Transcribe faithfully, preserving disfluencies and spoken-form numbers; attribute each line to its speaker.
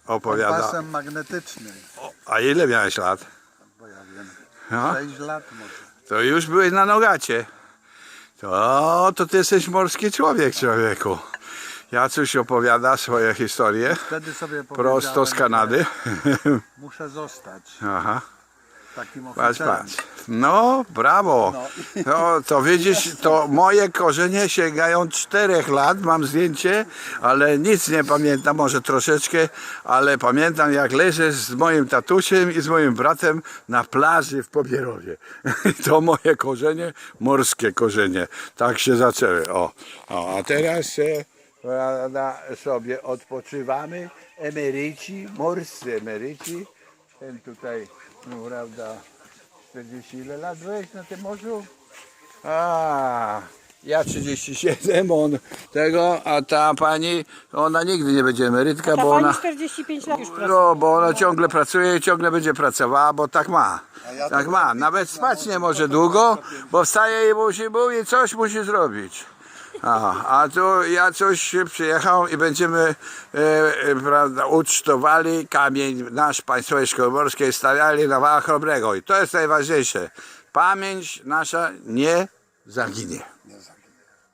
Speaker 1: opowiada.
Speaker 2: Kompasem magnetycznym.
Speaker 1: O, a ile miałeś lat?
Speaker 2: Bo ja wiem.
Speaker 1: No,
Speaker 2: sześć lat może.
Speaker 1: to już byłeś na Nogacie. To, to ty jesteś morski człowiek, człowieku. Jacuś opowiada swoje historie
Speaker 2: Wtedy sobie
Speaker 1: prosto z
Speaker 2: powiedziałem,
Speaker 1: Kanady.
Speaker 2: że muszę zostać
Speaker 1: Aha.
Speaker 2: takim
Speaker 1: Patrz,
Speaker 2: oficerem.
Speaker 1: patrz. No, brawo. No, to widzisz, to moje korzenie sięgają czterech lat, mam zdjęcie, ale nic nie pamiętam, może troszeczkę, ale pamiętam jak leżę z moim tatusiem i z moim bratem na plaży w Pobierowie. To moje korzenie, morskie korzenie. Tak się zaczęły. O, o a teraz e, prawda, sobie odpoczywamy, emeryci, morscy emeryci. Ten tutaj, no prawda, czterdzieści ile lat byłeś na tym morzu? A, ja trzydzieści siedem, on tego, a ta pani, ona nigdy nie będzie emerytka,
Speaker 3: Ta
Speaker 1: bo
Speaker 3: pani
Speaker 1: ona,
Speaker 3: czterdzieści pięć lat już pracuje.
Speaker 1: no, bo ona ciągle pracuje i ciągle będzie pracowała, bo tak ma. Tak ma, nawet spać nie może długo, bo wstaje i musi mówić, coś musi zrobić. A, a tu ja coś przyjechał i będziemy e, e, prawda, ucztowali kamień nasz Państwowej Szkoły Morskiej, stawiali na Wała Chrobrego i to jest najważniejsze. Pamięć nasza nie zaginie.
Speaker 2: Nie za-